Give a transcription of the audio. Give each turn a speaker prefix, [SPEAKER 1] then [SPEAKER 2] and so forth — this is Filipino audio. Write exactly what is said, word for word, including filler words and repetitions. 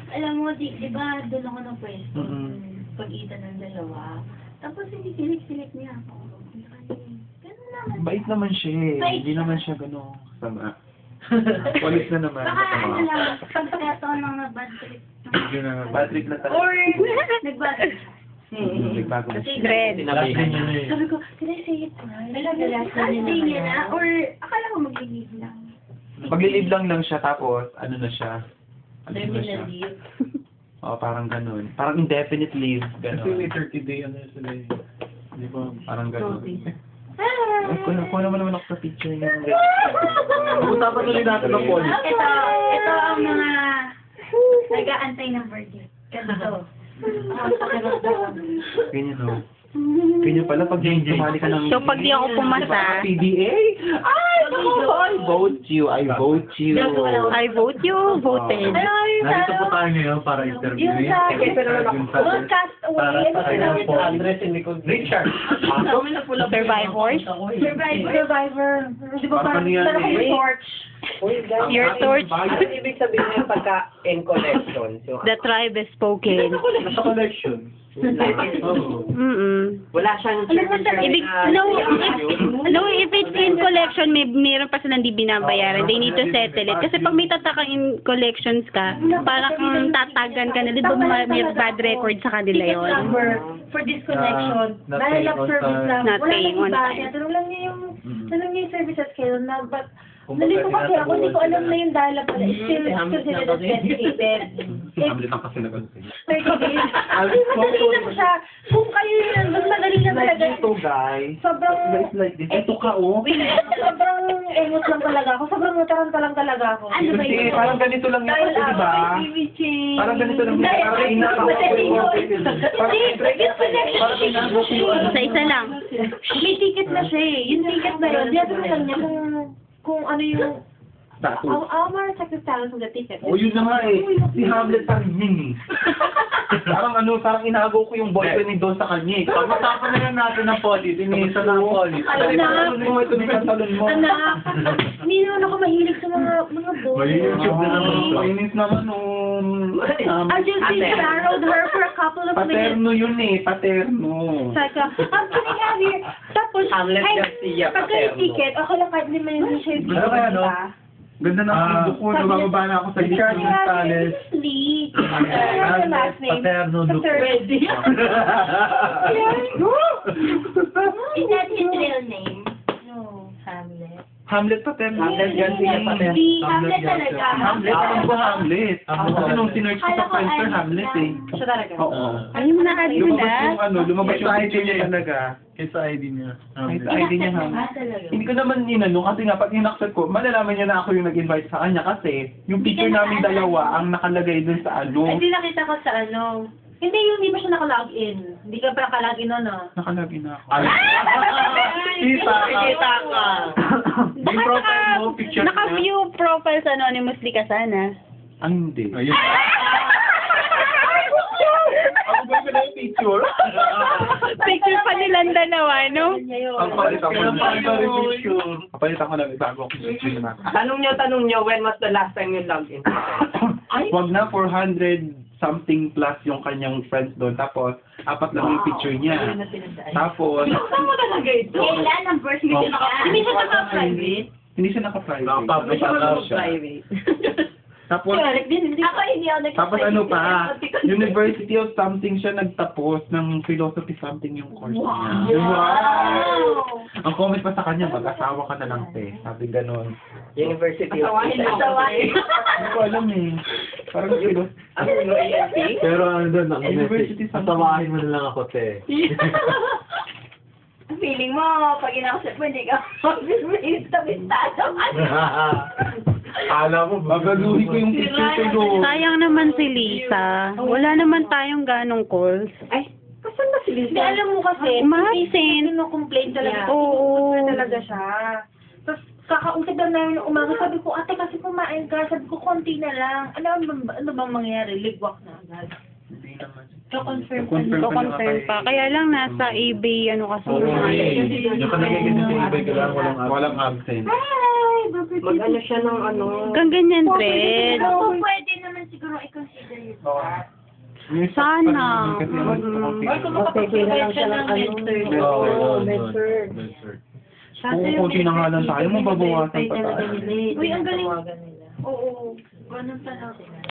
[SPEAKER 1] alam mo, di, di ba, doon ako ng pwesto,
[SPEAKER 2] Mm-mm.
[SPEAKER 1] pag-itan ng dalawa. Tapos hindi silik-silik niya ako. Ganun naman.
[SPEAKER 2] Bait naman siya eh.
[SPEAKER 1] Bait
[SPEAKER 2] Hindi
[SPEAKER 1] siya.
[SPEAKER 2] naman siya gano'ng sama. Walis na naman.
[SPEAKER 1] Baka ano lang, pagkataon lang na bad trip.
[SPEAKER 2] Yun na, bad trip na talaga.
[SPEAKER 1] Or, nag-bad trip siya.
[SPEAKER 2] Mm, nagbago na
[SPEAKER 1] Kasi,
[SPEAKER 2] siya.
[SPEAKER 3] Dread.
[SPEAKER 4] Sinabihan niya na eh.
[SPEAKER 1] sabi ko, can I say it now? Last day niya na, or akala ko mag-leave lang.
[SPEAKER 2] Maglilib lang lang siya tapos ano na siya. Ano na siya.
[SPEAKER 1] leave.
[SPEAKER 2] Oo, parang ganun. Parang indefinite leave.
[SPEAKER 4] Kasi
[SPEAKER 2] Ganun.
[SPEAKER 4] may thirty day ano yun sila eh. Di ba?
[SPEAKER 2] Parang ganun.
[SPEAKER 1] Hi!
[SPEAKER 2] Ay, kuha kuha naman naman ako sa picture niya.
[SPEAKER 4] Pag-usapan ulit natin ng police.
[SPEAKER 1] Ito, ito ang mga nag-aantay ng birthday. Ganito. Ang pakiramdam.
[SPEAKER 2] Ganyan o. Ganyan pala pag tumali ka ng...
[SPEAKER 3] So, pag di ako pumasa-
[SPEAKER 2] P D A? Ay, naku, I vote you. I vote you.
[SPEAKER 3] I vote you, voted.
[SPEAKER 1] Ano yung sa
[SPEAKER 4] Nandito po
[SPEAKER 1] ano?
[SPEAKER 4] tayo ngayon para interview.
[SPEAKER 1] Yung sa
[SPEAKER 4] Yung sa...
[SPEAKER 1] broadcast
[SPEAKER 4] Para
[SPEAKER 1] away.
[SPEAKER 4] sa kanya po. Andres and Nicole. Richard.
[SPEAKER 3] Survivors?
[SPEAKER 1] Survivor. Survivor. Di ba
[SPEAKER 2] Parang
[SPEAKER 1] parang
[SPEAKER 2] yan
[SPEAKER 1] parang
[SPEAKER 2] eh.
[SPEAKER 1] may torch?
[SPEAKER 3] Your torch.
[SPEAKER 5] Ano ibig sabihin ng pagka-in collection? So,
[SPEAKER 3] The tribe is spoken.
[SPEAKER 4] Nasa collection. Oo.
[SPEAKER 3] Mm-mm.
[SPEAKER 5] wala siyang
[SPEAKER 1] Ano ba sa-
[SPEAKER 3] Ibig, no, if, no, if it's in collection, may meron pa silang di binabayaran. They need to settle it. Kasi pag may tatakang in collections ka, parang kang tatagan ka na, di ba ma- may bad record sa kanila
[SPEAKER 1] Ticket
[SPEAKER 3] yon.
[SPEAKER 1] number for disconnection.
[SPEAKER 4] Na- not
[SPEAKER 1] Dahil
[SPEAKER 4] paying
[SPEAKER 1] lang
[SPEAKER 4] on
[SPEAKER 1] service
[SPEAKER 4] time.
[SPEAKER 1] lang.
[SPEAKER 3] Not
[SPEAKER 1] Wala
[SPEAKER 3] paying
[SPEAKER 1] nang
[SPEAKER 3] on
[SPEAKER 1] iba.
[SPEAKER 3] time.
[SPEAKER 1] Kaya tanong lang niya yung,
[SPEAKER 2] Mm.
[SPEAKER 1] tanong niya yung services kayo na, but
[SPEAKER 4] Kung
[SPEAKER 1] nalito
[SPEAKER 4] bakit
[SPEAKER 1] kasi ako, hindi ko alam
[SPEAKER 4] tinatawagan
[SPEAKER 1] na yung dial-up pala. It's still,
[SPEAKER 5] Mm,
[SPEAKER 1] still sila
[SPEAKER 5] Hamlet na
[SPEAKER 1] that's
[SPEAKER 5] kasi.
[SPEAKER 1] dedicated.
[SPEAKER 2] Hamlet ang kasi naman.
[SPEAKER 1] thirty days. Ay, madali lang siya. Kung kayo yun, mas madali lang talaga.
[SPEAKER 2] Ito, guys.
[SPEAKER 1] Sobrang,
[SPEAKER 2] Guys, like this. Ito ka, oh.
[SPEAKER 1] sobrang emot lang talaga ako. Sobrang nataranta lang talaga ako. Ano ba
[SPEAKER 2] Hindi,
[SPEAKER 1] yun?
[SPEAKER 2] parang ganito lang yan
[SPEAKER 1] Dial
[SPEAKER 2] kasi,
[SPEAKER 1] up.
[SPEAKER 2] di ba? Parang ganito lang yan. Parang inaako ko yung... Parang parang inaako ko yung...
[SPEAKER 3] Isa-isa lang.
[SPEAKER 1] May ticket na siya eh. Yung ticket na yun, diyan mo lang niya kung kung ano yung
[SPEAKER 2] Status.
[SPEAKER 1] I'll, I'll check the status of the ticket.
[SPEAKER 2] Oh, yun na nga eh. Si Hamlet pa rin yun eh. Parang ano, parang inago ko yung boyfriend ni Don sa kanya eh.
[SPEAKER 4] Pag-usapan na lang natin ng police. Inisa na ang police.
[SPEAKER 1] Alam na.
[SPEAKER 2] Talon mo, ito yung talon mo.
[SPEAKER 1] Anak, hindi naman ako mahilig sa mga mga boys.
[SPEAKER 4] May YouTube na naman ito.
[SPEAKER 2] Mainis naman nung... Um,
[SPEAKER 1] I just borrowed her for a couple of minutes.
[SPEAKER 2] paterno yun eh, paterno.
[SPEAKER 1] Saka, um, can I have your... Tapos,
[SPEAKER 5] Hamlet
[SPEAKER 1] ay,
[SPEAKER 5] Garcia,
[SPEAKER 1] pagka yung
[SPEAKER 5] Paterno.
[SPEAKER 1] ticket, ako lang kahit hindi man yung siya yung
[SPEAKER 4] Ano kaya, no?
[SPEAKER 1] diba?
[SPEAKER 2] Ganda na
[SPEAKER 4] Ah,
[SPEAKER 2] ang ko, nabababa na ako sa
[SPEAKER 4] Richard
[SPEAKER 2] Richard.
[SPEAKER 4] Gonzalez.
[SPEAKER 1] Lee. Ano yung last name?
[SPEAKER 4] Paterno,
[SPEAKER 1] The
[SPEAKER 4] Luke.
[SPEAKER 1] third. Is that his real name? No, Hamlet.
[SPEAKER 2] Hamlet paterno.
[SPEAKER 5] Hamlet Garcia Paterno.
[SPEAKER 1] Si Hamlet talaga.
[SPEAKER 2] Hamlet, alam ko Hamlet.
[SPEAKER 4] Hamlet.
[SPEAKER 2] Kasi nung sinerch ko sa
[SPEAKER 1] Kala ko
[SPEAKER 2] Friendster,
[SPEAKER 1] Iris
[SPEAKER 2] Hamlet
[SPEAKER 1] lang.
[SPEAKER 2] eh.
[SPEAKER 1] Siya talaga.
[SPEAKER 2] Oo.
[SPEAKER 3] Ay, mo na kanina.
[SPEAKER 2] Lumabas yung ano, lumabas yung
[SPEAKER 4] Sa
[SPEAKER 2] I D niya talaga.
[SPEAKER 4] Kaysa I D niya.
[SPEAKER 2] Ay, sa I D niya
[SPEAKER 1] Ah,
[SPEAKER 2] Hamlet.
[SPEAKER 1] talaga.
[SPEAKER 2] Hindi ko naman inano kasi nga pag inaccept ko, malalaman niya na ako yung nag-invite sa kanya kasi yung picture namin dalawa ang nakalagay dun sa ano.
[SPEAKER 1] Hindi nakita ko sa ano. Hindi, yung hindi pa siya naka-login. Hindi ka pa naka-login nun, ah.
[SPEAKER 2] Nakalagay na ako.
[SPEAKER 4] Kita ka.
[SPEAKER 5] Kita ka.
[SPEAKER 2] Yung profile mo, picture niya.
[SPEAKER 3] Naka-view profiles anonymously ka sana.
[SPEAKER 2] Ah, hindi.
[SPEAKER 4] Ayun.
[SPEAKER 2] Ako ba yung yung picture?
[SPEAKER 3] Picture pa nilang dalawa, no?
[SPEAKER 2] Ang palit ako
[SPEAKER 4] Kailan pa ito yung picture?
[SPEAKER 2] Kapalitan ko lang, bago ako yung picture na.
[SPEAKER 5] Tanong niyo, tanong niyo, when was the last time you logged in?
[SPEAKER 2] Wag na, four hundred something plus yung kanyang friends doon. Tapos, apat lang yung picture niya. Tapos,
[SPEAKER 5] Saan mo talaga ito?
[SPEAKER 1] Kailan ang birth
[SPEAKER 2] Oh.
[SPEAKER 1] certificate niya? Hindi siya naka-private.
[SPEAKER 2] hindi siya naka-private.
[SPEAKER 4] Naka-public account siya.
[SPEAKER 2] Tapos,
[SPEAKER 1] Correct din. Hindi ako hindi ako nag-
[SPEAKER 2] tapos ano pa, University of something siya nagtapos ng philosophy something yung course niya.
[SPEAKER 1] Wow!
[SPEAKER 2] Ang comment pa sa kanya, mag-asawa ka na lang, te. Sabi ganon.
[SPEAKER 5] University of
[SPEAKER 1] Asawahin mo. Asawahin.
[SPEAKER 2] Hindi ko alam eh. Parang philo-
[SPEAKER 5] Ano yung A F P?
[SPEAKER 4] Pero ano doon, ang
[SPEAKER 2] University
[SPEAKER 4] message,
[SPEAKER 2] something.
[SPEAKER 4] tawahin mo na lang ako, te.
[SPEAKER 1] Feeling mo, pag inakasip mo, hindi ka mag-bistado.
[SPEAKER 4] Kala mo,
[SPEAKER 2] Babaluhin ko yung picture ko doon.
[SPEAKER 3] Sayang naman si Lisa. Wala naman tayong ganong calls.
[SPEAKER 5] Ay, kasan ba si Lisa?
[SPEAKER 1] Hindi, alam mo kasi,
[SPEAKER 3] Umabsent.
[SPEAKER 1] complain talaga.
[SPEAKER 3] Oo.
[SPEAKER 1] Complain talaga siya. Tapos, kakausap lang namin ng umaga, sabi ko, ate, kasi kumain ka. Sabi ko, konti na lang. Ano, ba- ano bang mangyayari? Ligwak na agad.
[SPEAKER 2] Hindi naman.
[SPEAKER 1] Ko-confirm pa
[SPEAKER 2] Confirm
[SPEAKER 1] niya.
[SPEAKER 3] Ito confirm pa. Kaya lang nasa eBay ano kasi.
[SPEAKER 4] Oo,
[SPEAKER 3] yung-
[SPEAKER 4] eh. Yung kanagay sa ibay ka lang, walang absent.
[SPEAKER 2] Walang absent.
[SPEAKER 1] Hi! Bakit
[SPEAKER 5] Mag-ano siya ng ano?
[SPEAKER 3] Hanggang ganyan, Fred.
[SPEAKER 1] Ako, pwede naman siguro i-consider
[SPEAKER 2] Yung
[SPEAKER 3] Sana.
[SPEAKER 2] Kasi yung gusto kong
[SPEAKER 1] Ay, kung
[SPEAKER 2] feeling.
[SPEAKER 1] makapag-provide siya ng mentor.
[SPEAKER 4] Oo,
[SPEAKER 2] Med-surg.
[SPEAKER 4] Med-surg.
[SPEAKER 2] Kung konti na nga lang tayo, mababawasan pa tayo.
[SPEAKER 1] Uy, ang galing. Oo, ganun pala.